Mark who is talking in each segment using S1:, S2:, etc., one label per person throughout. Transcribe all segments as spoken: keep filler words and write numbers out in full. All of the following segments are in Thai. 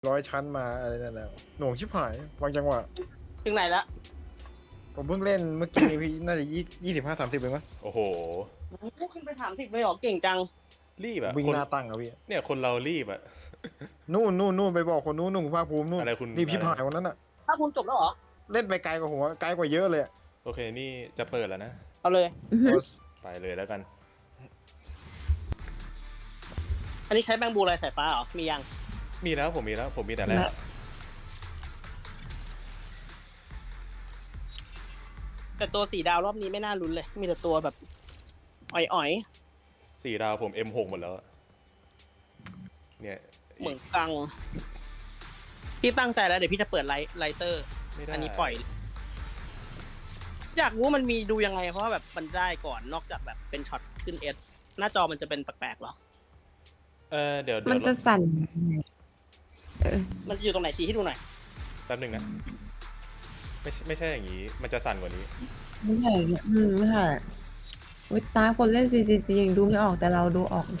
S1: ร้อยชั้นมาอะไรนั่นแหละหน่วงชิบหายวางจังหวะ
S2: ถึงไหนละ
S1: ผมเพิ่งเล่นเมื่อกี้นี้พี่น่าจะยี่ยี่สิบห้าสามสิบเองมั้ง
S3: โอ้โห
S2: โอ้โหขึ้นไปถามสิบเลยเหรอเก่งจัง
S3: รีบอะ
S1: วิ่ง
S3: คน
S1: หน้าตั้งอะพี่
S3: เนี่ยคนเรารีบอะ
S1: นู่นนู่นนู่นไปบอกคนนู้นนู่นภาคภูมินู่น
S3: อะไรคุณ
S1: รีบชิบ
S3: อะไร
S1: หายวันนั้นอะ
S2: ถ้าคุณจบแล้วเหรอ
S1: เล่นไปไกลกว่าหัวไกลกว่าเยอะเลยอะ
S3: โอเคนี่จะเปิดแล้วนะ
S2: เอาเลย
S3: ไปเลยแล้วกัน
S2: อันนี้ใช้แบงบูอะไรสายฟ้าเหรอมียัง
S3: มีแล้วผมมีแล้วผมมีแต่แรก
S2: แต่ตัวสีดาวรอบนี้ไม่น่าลุ้นเลย มีแต่ตัวแบบอ่อย
S3: สี่ดาวผม เอ็ม หก หมดแล้วอะเนี่ย
S2: ๆเหมือนกังพี่ตั้งใจแล้วเดี๋ยวพี่จะเปิดไลท์ไลเตอร์
S3: ไม่ได้
S2: อันนี้ปล่อย อยากรู้มันมีดูยังไงเพราะว่าแบบมันได้ก่อนนอกจากแบบเป็นช็อตขึ้นเอสหน้าจอมันจะเป็นแปลกๆหรอ
S3: เออเดี๋ยวเดี๋
S4: มั
S3: ย
S4: น
S3: ว
S4: จะสั่นเออ
S2: มันจะอยู่ตรงไหนชี้ให้ดูหน่อย
S3: แป๊บหนึงนะไม่ใช่ไม่ใช่อย่างนี้ มันจะสั่นกว่านี้
S4: ไม่ใช่เนี่ยอืมไม่ใช่วิตาคนเล่น ซี ซี จี ยังดูไม่ออกแต่เราดูออก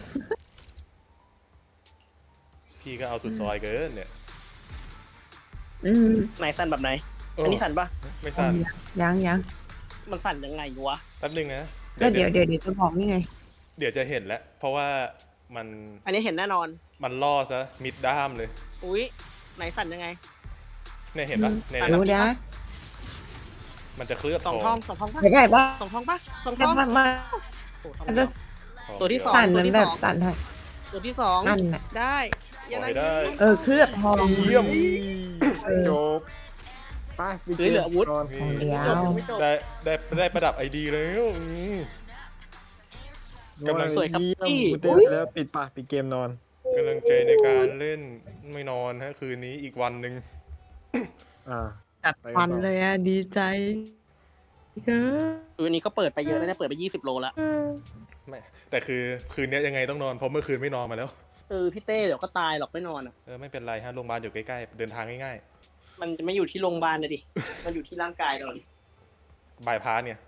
S3: พี่ก็เอาสุดซอยเกินเนี่ย
S4: อืม
S2: ไหนสั่นแบบไหน
S3: โอ้
S2: อันนี้สั่นปะ
S3: ไม่สั่น
S4: ยังยัง
S2: มันสั่นยังไงวะ
S3: แป๊บหนึงนะ
S4: ก็เดี๋ยวเดี๋ยวเดี๋ยวจะบอกนี่ไง
S3: เดี๋ยวจะเห็นแล้วเพราะว่ามัน
S2: อันนี้เห็นแน่นอน
S3: มันล่อซะมิดด้ามเลย
S2: อุ๊ยไหนสั่นยังไง
S3: เนี่ยเห็นปะ
S4: อืม
S3: เนี่ย
S2: สั่
S4: รู้
S2: แบบ
S4: นะ
S3: มันจะเคลือบ
S2: สอง
S3: ท
S2: ท
S3: อ
S2: อง งสองทองปะ
S4: เดี๋ยวใหญ่ปะ
S2: สองทองปะสองท
S4: แต่
S2: อง
S4: มันมัน
S2: โอ้ทอง
S4: มัน
S2: เดี
S4: จะ
S2: ยว
S3: ทอง
S2: ตัวที่
S3: เดีย
S2: สอง
S4: สั่นเหมือนแบบสั่นทาง
S2: ตัวที่สอง
S4: นั่นน่ะ
S2: ได้
S3: ขอให้ได้
S4: เออเคลือบทอง
S3: เยี่ยม
S4: เออ
S1: จบไปไป
S2: เฮ้ยเหลืออาวุธ
S1: ก่อน
S4: ทองเดียว
S2: จบยังไม่จบ
S3: ได้ได้ได้ประดับไอดีแล้วอืม กำลัง
S2: สวยครับ
S1: เยี่ยม
S2: พี่
S1: กูเต้นไปแล้วปิดปะปิดเกมนอน
S3: กำลังใจในการเล่นไม่นอนฮะคืนนี้อีกวันหนึ่ง
S1: อ่า
S4: จัดฟันเลยอ่ะ ดีใจเออ
S2: ตัวนี้ก็เปิดไปเยอะแล้วเนี่ยเปิดไปยี่สิบโลแล้ว
S3: ไม่แต่คือคืนนี้ยังไงต้องนอนเพราะเมื่อคืนไม่นอนมาแล้ว
S2: เออพี่เต้เดี๋ยวก็ตายหรอกไม่นอนอ่ะ
S3: เออไม่เป็นไรฮะโรงพยาบาลอยู่ใกล้ๆเดินทางง่าย
S2: มันจะไม่อยู่ที่โรงพยาบาลนะดิ มันอยู่ที่ร่างกายเราดิ
S3: ๆบายพาสเนี่ย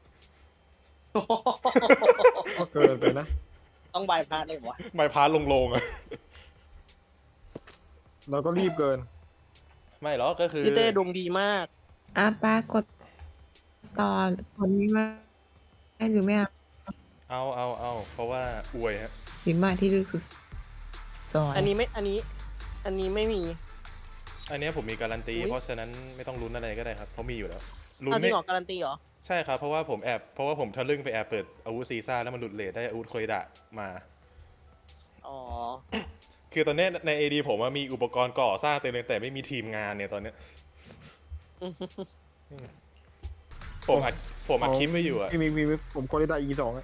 S1: ก็เกินไปนะ
S2: ต้องบายพาสเลยเหรอวะ
S3: บายพาสลงๆอะ
S1: เราก็รีบเกิน
S3: ไม่หรอกก็คือ
S2: พี่เต้ดวงดีมาก
S4: อ่ะป้ากดต่อคนนี้มาให้หรือไม่เอา
S3: เอาเอาเอาเพราะว่าอวยฮะ
S4: พิมพ์มาที่ลึกสุดซอย
S2: อันนี้ไม่ อันนี้ อันนี้ไม่มี
S3: อันเนี้ยผมมีการันตี
S2: อุ๊ย
S3: เพราะฉะนั้นไม่ต้องลุ้นอะไรก็ได้ครับเพราะมีอยู่แล้วลุ้น
S2: เอาจริ
S3: ไม่
S2: งเหรอการันตีเหรอ
S3: ใช่ครับเพราะว่าผมแอบเพราะว่าผมทะลึ่งไปแอบเปิดอาวุธซีซ่าแล้วมันหลุดเลทได้อาวุธโคยดะมา
S2: อ๋อ
S3: คือตอนเนี้ยใน เอ ดี ผมอะมีอุปกรณ์ก่อสร้างเต็มเลยแต่ไม่มีทีมงานเนี่ยตอนเนี้ยผมอัดผมอัดคลิปไว้อยู่อะ
S1: มีมีมีผมคนได้อีสองอะ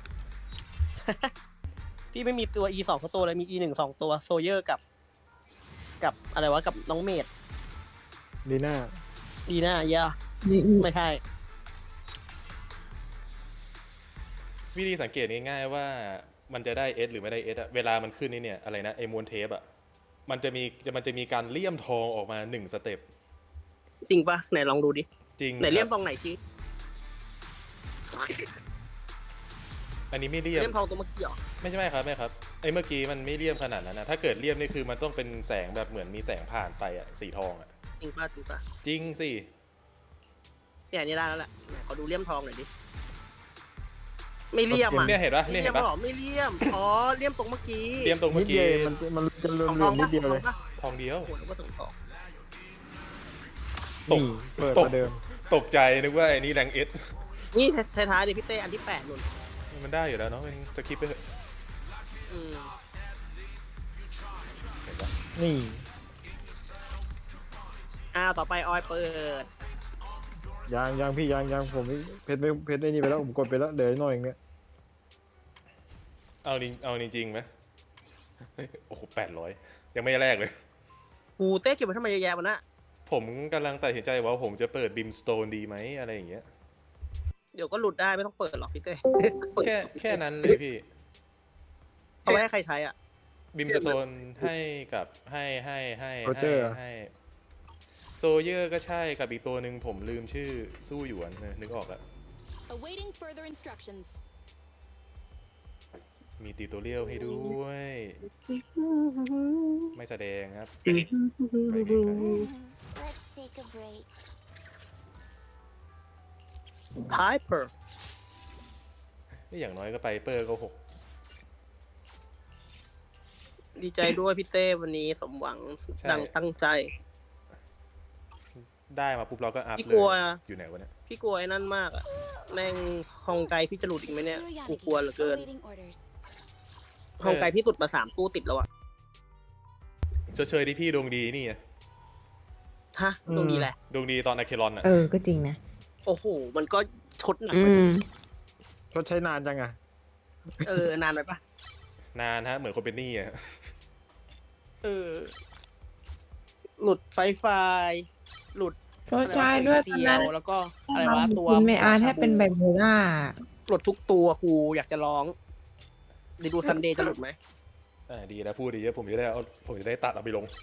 S2: พี่ไม่มีตัว E สองตัวเลยมี E หนึ่งสองตัวโซเยอร์กับ กับอะไรวะกับน้องเมด
S1: ดีน่า
S2: ดีน่าเยอะ
S4: นี่นี่
S2: ไม่ใช่
S3: วิธีสังเกตง่ายๆว่ามันจะได้เอสหรือไม่ได้เอสอะเวลามันขึ้นนี่เนี่ยอะไรนะไอมวนเทปอะมันจะมีมันจะมีการเลี่ยมทองออกมาหนึ่งสเต็ป
S2: จริงปะไหนลองดูดิ
S3: จริง
S2: ไหนเลี่ยม
S3: ค
S2: ต
S3: รับ
S2: รงไหนชี้
S3: อันนี้ไม่เลี่ยม
S2: เลี่ยมทองตัวเมื่อกี้เหรอ
S3: ไม่ใช่ไหมครับไม่ครับไอ้เมื่อกี้มันไม่เลี่ยมขนาดนั้นนะถ้าเกิดเลี่ยมนี่คือมันต้องเป็นแสงแบบเหมือนมีแสงผ่านไปอะสีทองอะ
S2: จริงปะจริงปะ
S3: จริงสิ
S2: เนี่ยอันนี่ได้แล้วแหละไหนขอดูเลี่ยมทองหน่อยดิ ไม่เลี่ยมอ่ะ
S3: เนี่ยเห็นปะ
S2: ไม่
S3: เนี่ย
S2: เลี่ย
S3: เห็นปะ
S2: มหรอไม่เลี่ยม อ๋อ เลี่ยมตรงเมื่อกี้
S3: เลี่ยมตรงเมื่
S1: นิ
S3: อ
S1: ดเดี
S3: กี้
S1: ยวมันมันจะเลื่
S2: ส
S1: อ
S2: อง
S1: น
S2: ทอง
S1: ๆนิ
S2: ปะ
S1: ดเดียว
S2: สอง
S1: เล
S2: ทอย งปะ
S3: ทองเดียว
S2: โอ้โหนึกว่าสองทอง
S3: ตก
S1: นี่เปิด
S3: ตก
S1: ประเดิม
S3: ตกใจนึกว่าไอ้นี่แรงเอส
S2: นี่ท้ายๆดิพี่เต้อันที่แปดนุ่น
S3: มันได้อยู่แล้วเนาะมันจะคิดไปเถอะ
S2: อืม
S3: เห็นปะ
S1: นี่
S2: อ้าวต่อไปออยเปิด
S1: ยางยางพี่ยางยางผมเพชรไม่เพชรไอ้นี่ไปแล้วผมกดไปแล้วเดี๋ยวหน่อยอย่างเงี้ย
S3: เอาจริงเอาจริงๆไหมโอ้โหแปดร้อยยังไม่แรกเลย
S2: กูเต้เก็บไว้ทำไมเยอะแยะวะน่ะ
S3: ผมกำลังตัดสินใจว่าผมจะเปิดบิมสโตนดีไหมอะไรอย่างเงี้ย
S2: เดี๋ยวก็หลุดได้ไม่ต้องเปิดหรอกพี่เต้
S3: แค่แค่นั้นเลยพี่
S2: เอาไว้ให้ใครใช้อ่ะ
S3: บิมสโตนให้กับให้ให้ให้
S1: โรเจ
S3: ให้
S1: อร์
S3: ให้โซเยอร์ก็ใช่กับอีกตัวหนึ่งผมลืมชื่อสู้หยวนนะนึกออกอะ
S5: Awaiting further instructions.
S3: มีติวตัวเรียวให้ด้วย ไม่แสดงครับไปไกล
S5: Let's take a break.
S2: พายเปอร์
S3: ๆนี่อย่างน้อยก็ไปเปอร์ก็หก
S2: ดีใจด้วยพี่เต้วันนี้สมหวัง
S3: ใช่
S2: ดังตั้งใจ
S3: ได้มาปุ๊บเราก็อัพ
S2: พี่
S3: เล
S2: กลัวย
S3: อยู่ไหนวะเนี่ย
S2: พี่กลัวไอ้นั่นมากอะแม่งฮองไกพี่จะหลุดอีกไหมเนี่ย กูกลัวเหลือเกิน
S5: Awaiting orders.
S2: ฮองไกพี่ตุดมาสามตู้ติดแล้วอะ
S3: เชยๆที่พี่ดวงดีนี่ไง
S2: ฮะตรงนี้แหละ
S3: ดวงดีตอนอะเคลอนอะ
S4: เออ ก็จริงนะ
S2: โอ้โห มันก็ชดหนัก
S4: อื
S2: ไป
S4: ม
S1: ชดใช้นานจังอะ
S2: เออนานไปปะ
S3: นานฮะเหมือนคนเป็นหนี้อะ
S2: เออ หลุดไฟไฟหลุด
S4: โทษชายด้วยตอน
S2: เซีย
S4: นั้น
S2: วแล้วก็อะไรวะตัว
S4: คุณเมอาร์แทบเป็นไบโพล่า
S2: หลุดทุกตัวกูอยากจะร้องเดี๋ยวดูซันเดย์จะหลุดไหม
S3: อ่าดีนะพูดดีนะผมจะได้เอาผมจะได้ตัดเอาไปลง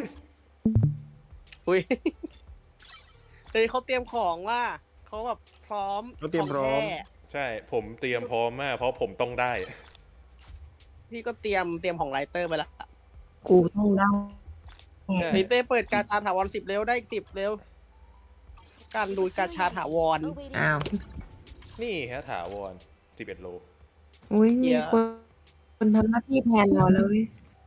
S2: อุ้ย เฮ้ยเขาเตรียมของว่าเขาแบบพร้อม
S1: เขาเตรียมพร้อม
S2: ขงแท้
S3: ใช่ผมเตรียมพร้อมมากเพราะผมต้องได้
S2: พี่ก็เตรียมเตรียมของไลเตอร์ไปละ
S4: กูต้องได้
S3: ใช่
S2: ลิเต้เปิดกาชาถาวรสิบเร็วได้อีกสิบเร็ว การดูกาชาถาวร
S5: Awaiting
S4: อ้าว
S3: นี่ฮะถาวรสิบเอ็ดโล
S4: อุ้ย
S2: เหี้
S4: มี
S2: ย
S4: คนคนทำหน้าที่แทนเราแล้วเว้ย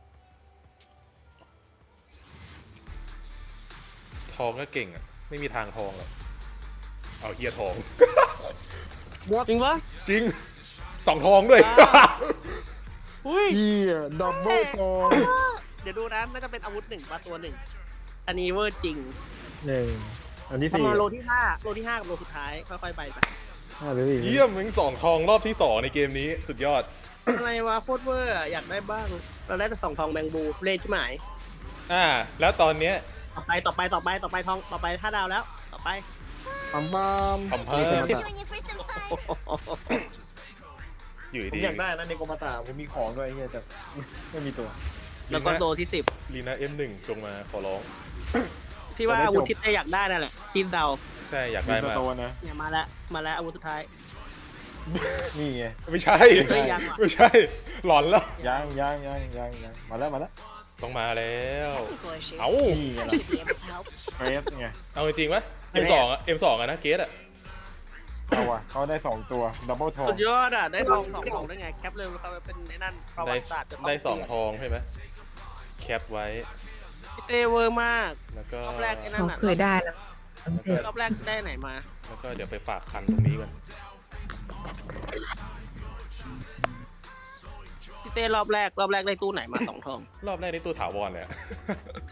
S3: ทองก็เก่งอ่ะ ไม่มีทางทองหรอกเอาเฮียทอง
S2: จริงปะ
S3: จริงสองทองด้วย
S2: อุ้ย
S1: เฮียดับเบิลทอง
S2: เดี๋ยวดูนะน่าจะเป็นอาวุธหนึ่งปะตัวหนึ่ง อันนี้เวอร์จริง
S1: หนึ่งอันที่
S2: ประ
S1: สี่
S2: มาณโลที่ห้าโลที่ห้ากับโลสุดท้าย ค่อยๆไปไป
S1: ห้าหรือสี่
S3: เยี่ยมมึงสองทองรอบที่สองในเกมนี้สุดยอด
S2: อะไรวะโคตรเวอร์อะอยากได้บ้าง เราได้แต่สองทองแบงบูเล่นใช่ไหม
S3: อ่า แล้วตอนเนี้ย
S2: ต่อไปต่อไปต่อไปต่อไปทองต่อไปห้าดาวแล้ว ต่อไป
S1: ปั๊มปั๊ม
S3: ปั๊มปั๊ม
S1: นี่โกมาตะ
S5: Join you for some fun.
S3: อยู่
S1: ผม
S3: ดี
S1: อยากได้นะในโกมาตะผมมีของด้วยเฮียแต่ไม่มีตัว
S2: แล้วก็โลที่สิบ
S3: ลีน่าเอ็มหนึ่งจงมาขอร้อง
S2: ที่ว่าอาวุธที่เต้อยากได้นั่นแหละทีมเดา
S3: ใช่อยาก
S1: มี
S3: ได้
S1: ตัว
S3: มาก
S1: โตนะ
S2: เนี่ยมาแล้วมาแล้วอาวุธสุดท้าย
S1: นี่ไง
S3: ไม่ใช่
S2: เฮ้ยยังว่ะ
S3: ไม่ใช่ หลอนแล้ว
S1: ยังยังยังยังยังมาแล้วมาแล้ว
S3: ต้องมาแล้ว
S5: Technical issues.
S3: เอ้า
S1: นี่ไง
S5: I
S1: ล่ะ
S5: should be able to help.
S1: เฟสไง
S3: เอาจริงๆปะ เอ็ม สอง อ่ะ เอ็ม สอง อ่ะนะเกสอ่ะ
S1: เอาว่ะเขาได้สองตัวดับเบิลทอง
S2: สุดยอดอ่ะ ได้ทองสองทองได้ไง แคปเลยเขาเป็นในนั่นประวั
S3: ได้
S2: ติศาสตร์จะต้
S3: ได้สอง
S2: เปลี่ยน
S3: ทองใช่ไหมแคปไว้
S2: พี่เต้เวอร์มาก
S3: แล้วก็
S2: รอบแรกไอ้นั่
S4: เขา
S2: นน่ะ
S4: เคยได้แล้ว
S2: รอบแรกได้ไหนมา
S3: แล้วก็เดี๋ยวไปฝากคันตรงนี้กัน
S2: พี่เต้รอบแรกรอบแรกได้ตู้ไหนมาสองทอง
S3: รอบแรกนี่ตัวถาวรเลยอะ